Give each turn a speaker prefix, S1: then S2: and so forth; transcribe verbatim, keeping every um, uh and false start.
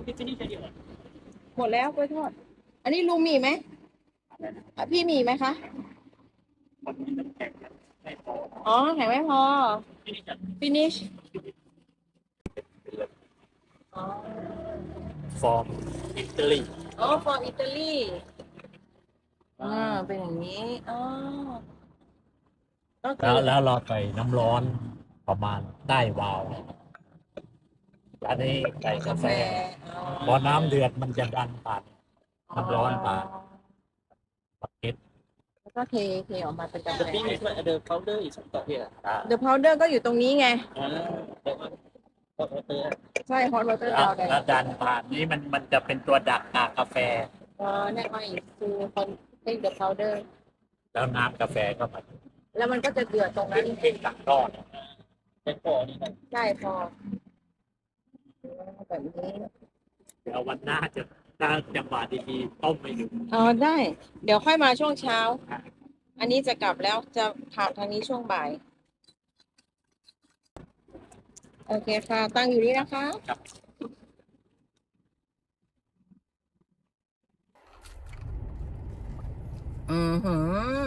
S1: หมดแล้วกล้วยทอด อันนี้ลุงมีไหมอ่ะพี่มีไหมคะ อ๋อแข็งไม่พอ finish อ๋อ
S2: from Italy
S1: อ๋อ from Italy อ่าเป็นอย่างนี้อ๋อก็คื
S2: แล้
S1: อ
S2: วแล้วเราใส่น้ำร้อนประมาณได้วาวอันนี้ใส่กาแฟพอน้ำเดือดมันจะดันผ่านน้ำร้อนผ่านปักเก็ต
S1: แล้วก็เทเทออกมาเป็นกาแฟ
S3: The thing is what the powder is on top here.
S2: อ่า
S1: The powder ก็อยู่ตรงนี้ไง
S3: Ah, that one. Hot water.
S1: ใช่ hot water
S2: แล้ว
S1: powder
S2: แล้วดันผ่านนี้มันมันจะเป็นตัวดักกากกาแฟ
S1: อ๋อ that one is to take the powder
S2: แล้วน้ำกาแฟก็มา
S1: แล้วมันก็จะเดือดตรง
S2: เป็
S1: นั้น น
S2: เป็นตักทอด
S3: That forนี่นะ
S1: ใช่พอแบบนี้
S2: เดี๋ยววันหน้าจะถ้าจังหวะดีๆต้มไม่ดู
S1: อ๋อได้ เดี๋ยวค่อยมาช่วงเช้า อันนี้จะกลับแล้วจะผ่านทางนี้ช่วงบ่าย โอเคค่ะ ตั้งอยู่นี่นะคะ
S2: ครับ
S1: อือหือ